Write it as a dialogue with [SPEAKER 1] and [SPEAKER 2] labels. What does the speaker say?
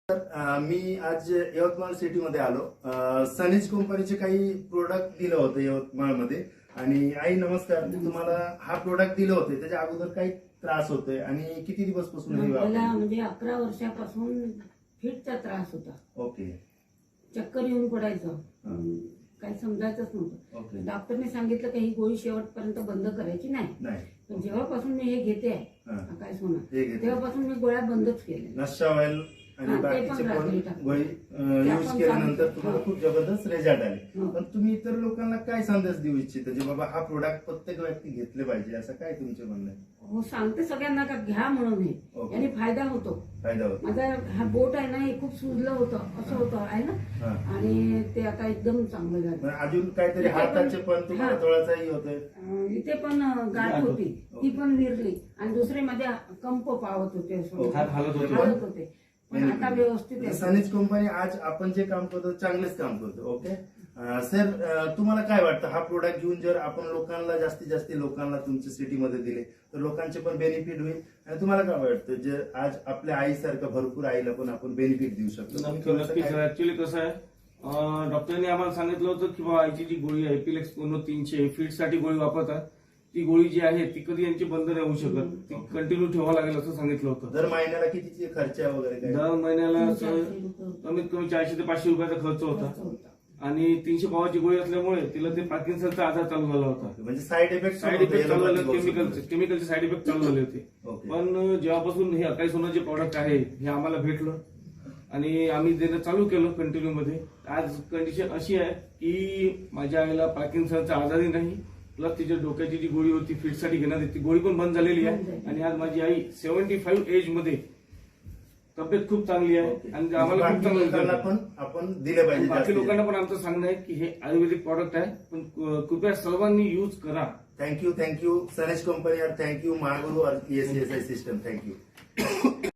[SPEAKER 1] मी आज यवतमाळ सिटीमध्ये आलो. सनीज कंपनीचे काही प्रोडक्ट दिलं होतं यवतमाळमध्ये. आणि आई नमस्कार, तुम्हाला हा प्रोडक्ट दिलं होते त्याच्या अगोदर काही त्रास होतोय आणि किती दिवसपासून
[SPEAKER 2] मला म्हणजे 11 वर्षापासून फिटचा त्रास होता.
[SPEAKER 1] ओके.
[SPEAKER 2] चक्कर येऊन पडायचं, काही समजायचंच नव्हतं.
[SPEAKER 1] ओके.
[SPEAKER 2] डॉक्टरने सांगितलं की ही गोळी शेवटपर्यंत बंद करायची नाही. पण जेव्हापासून मी हे घेते काय सोना, तेव्हापासून मी गोळ्या बंदच केल्या.
[SPEAKER 1] नशा ऑइल आणि बाकीचे पण गोळी यूज केल्यानंतर तुम्हाला खूप जबरदस्त रिझल्ट आले. पण तुम्ही इतर लोकांना काय संदेश देऊ इच्छिता जे बाबा हा प्रोडक्ट प्रत्येक व्यक्ती घेतले पाहिजे, असं काय तुमचे म्हणणं आहे?
[SPEAKER 2] हो, सांगते सगळ्यांना का घ्या म्हणून. हे याने फायदा होतो. माझा हा बोट आहे ना, हे खूप सुजलं होतं, असं होतं आहे ना, आणि ते आता एकदम चांगलं झालं.
[SPEAKER 1] अजून काहीतरी हाताचे पण तुम्हाला थोडासाही होतोय,
[SPEAKER 2] इथे पण गाठ होती, ती पण विरली. आणि दुसरे मध्ये कंप पावत होते, हालत होते. पण आता व्यवस्थित आहे.
[SPEAKER 1] सनीज कंपनी आज आपण जे काम करतो चांगलेच काम करतो. ओके सर, तुम्हाला काय वाटतं हा प्रोडक्ट घेऊन जर आपण लोकांना जास्तीत जास्त लोकांना तुमच्या सिटीमध्ये दिले तर लोकांचे पण बेनिफिट होईल? आणि तुम्हाला काय वाटतं जे आज आपल्या आईसारखं भरपूर आईला पण आपण बेनिफिट देऊ शकतो?
[SPEAKER 3] ऍक्च्युली कसं आहे, डॉक्टरने आम्हाला सांगितलं होतं की बाबा आईची जी गोळी आहे एपिलेक्स 300 फीट साठी गोळी वापरतात, ती गोळी जी आहे ती कधी यांची बंद नाही होऊ शकत, ती कंटिन्यू ठेवावं लागेल असं सांगितलं होतं.
[SPEAKER 1] दर महिन्याला किती खर्च वगैरे?
[SPEAKER 3] दर महिन्याला कमीत कमी 400 ते 500 रुपयाचा खर्च होता. आणि 300 पावाची गोळी असल्यामुळे तिला ते पार्किन्सनचा आजार चालू झाला होता.
[SPEAKER 1] म्हणजे साईड इफेक्ट
[SPEAKER 3] चालू झाले, केमिकलचे साईड इफेक्ट चालू झाले होते. पण जेव्हापासून हे अकाई सोना जे प्रॉडक्ट आहे हे आम्हाला भेटलं आणि आम्ही देणं चालू केलं कंटिन्यू मध्ये. आज कंडिशन अशी आहे की माझ्या आईला पार्किन्सनचा आजारही नाही, प्लस तिच्या डोक्याची जी गोळी होती फिटसाठी घेण्यात ती गोळी पण बंद झालेली आहे. आणि आज माझी आई 75 एज मध्ये तब्येत खूप चांगली आहे आणि आम्हाला खूप चांगलं
[SPEAKER 1] पण आपण दिले पाहिजे.
[SPEAKER 3] बाकी लोकांना पण आमचं सांगणं आहे की हे आयुर्वेदिक प्रॉडक्ट आहे, पण कृपया सर्वांनी यूज करा.
[SPEAKER 1] थँक्यू सनीज कंपनी और थँक्यू महागुरु और ESSI सिस्टम. थँक्यू.